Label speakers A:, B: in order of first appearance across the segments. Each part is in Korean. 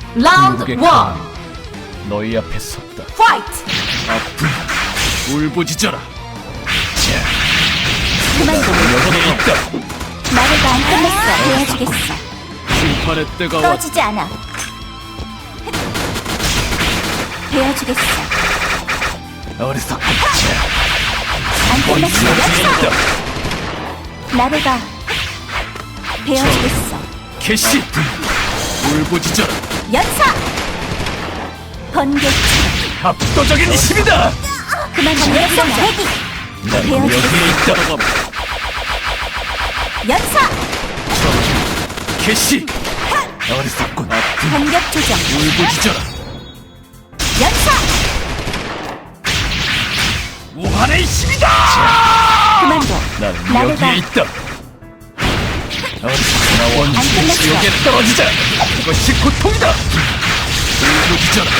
A: 라운드
B: 궁극의
A: 1
B: 칼날이 너희 앞에 섰다.
A: 파이트!
B: 아픈 울부짖어라.
C: 그만둬.
B: 여기에 있다.
C: 나를 안 끝냈어. 도와주겠어.
B: 심판의 때가 왔다.
C: 꺼지지 않아. 베어주겠어.
B: 어리석군.
C: 안 끝냈어.
B: 여기에
C: 연사.
B: 있다.
C: 나를 봐. 베어주겠어.
B: 개시. 울부짖어라.
C: 연사. 번개.
B: 압도적인 힘이다.
C: 그만 반격성 대기.
B: 난
C: 베어주겠어.
B: 여기에 있다.
C: 연사.
B: 개시. 어리석군. 아픈
C: 반격 조정.
B: 울부짖어라.
C: 연사.
B: 무한의 힘이다.
C: 그만둬.
B: 난
C: 나를 봐.
B: 여기에 있다. 어리석구나.
C: 안
B: 원시
C: 끝났어.
B: 지옥에 떨어지자. 이것이 고통이다. 울부짖어라.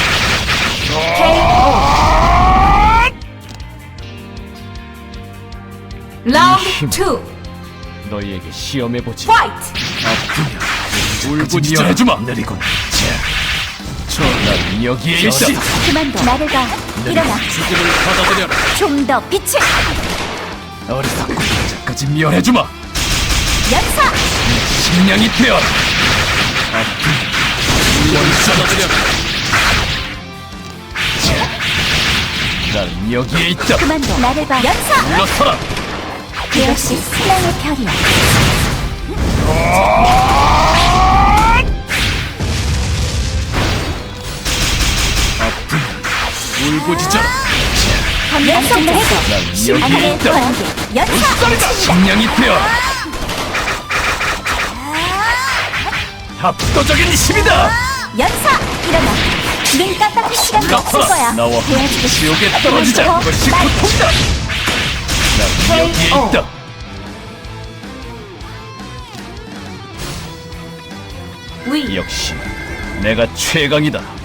A: 라운드 2
B: 너희에게 시험해보지.
A: 파이트!
B: 아프냐. 울부짖어 해주마. 느리군. 난 여기에 있다.
C: 그만둬. 나를 봐. 일어나.
B: 죽음을 받아들여라.
C: 좀 더 빛을.
B: 어리석군. 여기까지 미워해주마.
C: 연사.
B: 식량이 되어라. 받아들여라. 난 여기에 있다.
C: 그만둬. 나를 봐. 연사.
B: 물러서라.
C: 역시 사랑의 별이야.
B: 울부짖어라.
C: 연속 해도.
B: 난 여기에
C: 안내
B: 있다.
C: 번개. 연사.
B: 식량이 되어라. 압도적인 힘이다.
C: 연사. 일어나. 눈 깜빡할 시간도 없을 거야.
B: 나와 함께
C: 도와주겠어.
B: 지옥에 떨어지자.
C: 그만둬.
B: 이것이
C: 날
B: 고통이다. 난 여기에 있다.
A: 위
B: 역시 내가 최강이다.